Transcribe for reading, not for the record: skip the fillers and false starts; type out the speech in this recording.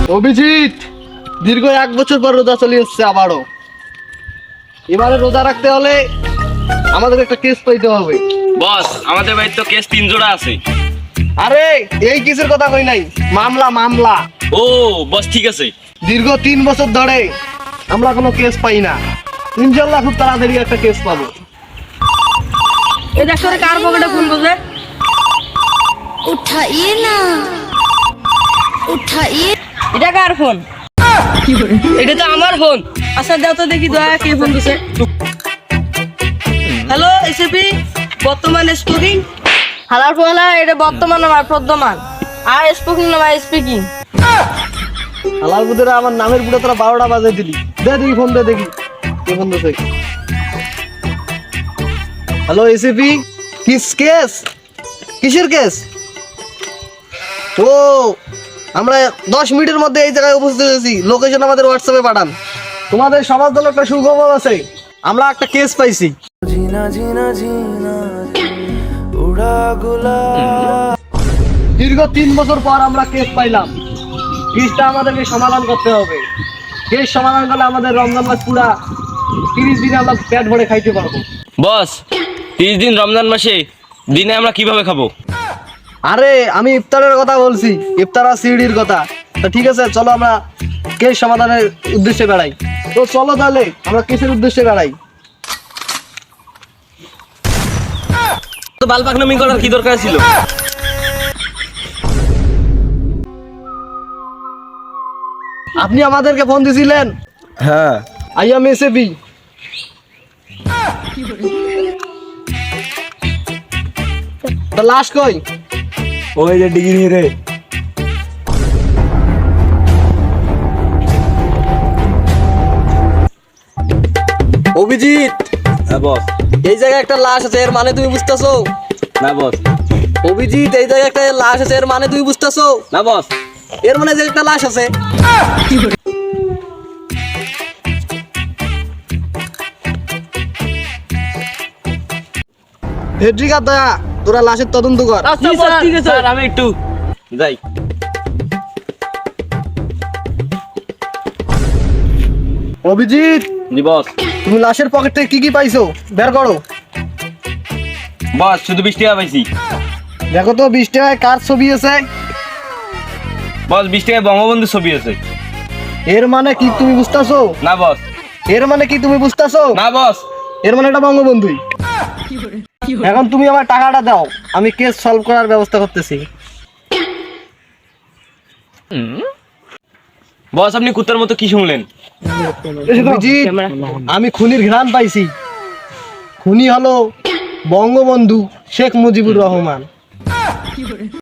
অভিজিৎ, দীর্ঘ 1 বছর পর রোজা চলে এসছে আবারও। এবারে রোজা রাখতে হলে আমাদের একটা কেস পাইতে হবে। বস, আমাদের বাড়িতে তো কেস 3 জোড়া আছে। আরে এই কেসের কথা কই নাই, মামলা। ও বস, ঠিক আছে। দীর্ঘ 3 বছর ধরে আমরা কোনো কেস পাই না। ইনশাআল্লাহ খুব তাড়াতাড়ি একটা কেস পাবো। এই দেখো রে, কার পকেটে ফোন বসে? उठाइए ना उठाइए। এটা কার ফোন? এটা তো আমার ফোন। আচ্ছা দাও তো দেখি, দয়া কে ফোন দিছে। হ্যালো এসপি, বর্তমান স্পিকিং। হালার ফোলা, এটা বর্তমান আমার প্রদ্যমান, আর স্পিকিং না ভাই স্পিকিং। আলাল বুদেরা আমার নামের পুরো তোরা 12টা বাজে দিলি। দে দেখি ফোন, দে দেখি কে ফোন দিছে। Hello ACP, case? কিসের কেস? ও, আমরা 10 মিনিটের মধ্যে এই জায়গায় উপস্থিত হয়েছি। লোকেশন আমাদের হোয়াটসঅ্যাপে পাঠান। তোমাদের সমাজ দল একটা সুখবর আছে, আমরা একটা কেস পাইছি। দীর্ঘ 3 বছর পর আমরা কেস পাইলাম। কেসটা আমাদেরকে সমাধান করতে হবে। কেস সমাধান করলে আমাদের রমজান মাস পুরা 30 দিনে আমরা পেট ভরে খাইতে পারবো। বস, 30 দিন রমজান মাসে দিনে আমরা কিভাবে খাবো? আরে আমি ইফতারের কথা বলছি, ইফতার আর সিঁড়ির কথা। তা ঠিক আছে, চলো আমরা কেস সমাধানের উদ্দেশ্যে বেড়াই। তো চলো তাহলে আমরা কেসের উদ্দেশ্যে বেড়াই। তো বালপাকনামি করার কি দরকার ছিল? আপনি আমাদেরকে ফোন দিছিলেন? হ্যাঁ, আই এম এসএবি। তো লাশ কই? ওই যে ডিগ্রি রে। অভিজিৎ, হ্যাঁ বস। এই জায়গায় একটা লাশ আছে, এর মানে তুমি বুঝতেছো? না বস। অভিজিৎ, এই জায়গায় একটা লাশ আছে, এর মানে তুমি বুঝতেছো? না বস। এর মানে যে একটা লাশ আছে। হেড্রিকার দয়া, তোরা লাশের তদন্ত কর। আচ্ছা বস, ঠিক আছে। স্যার, আমি একটু যাই। অভিজিৎ, জি বস। তুমি লাশের পকেট থেকে কি পাইছো বের করো। বস, শুধু 20 টাকা পাইছি। দেখো তো 20 টাকায় কার ছবি আছে? বস, 20 টাকায় বঙ্গবন্ধুর ছবি আছে। এর মানে কি তুমি বুঝতেছো? না বস। এর মানে কি তুমি বুঝতেছো? না বস। এর মানে এটা বঙ্গবন্ধুই। এখন তুমি আমার টাকাটা দাও, আমি কেস সলভ করার ব্যবস্থা করতেছি। বস, আপনি কুত্তার মতো কি শুনলেন? অভিজিৎ, আমি খুনির ঘ্রাণ পাইছি। খুনি হলো বঙ্গবন্ধু শেখ মুজিবুর রহমান।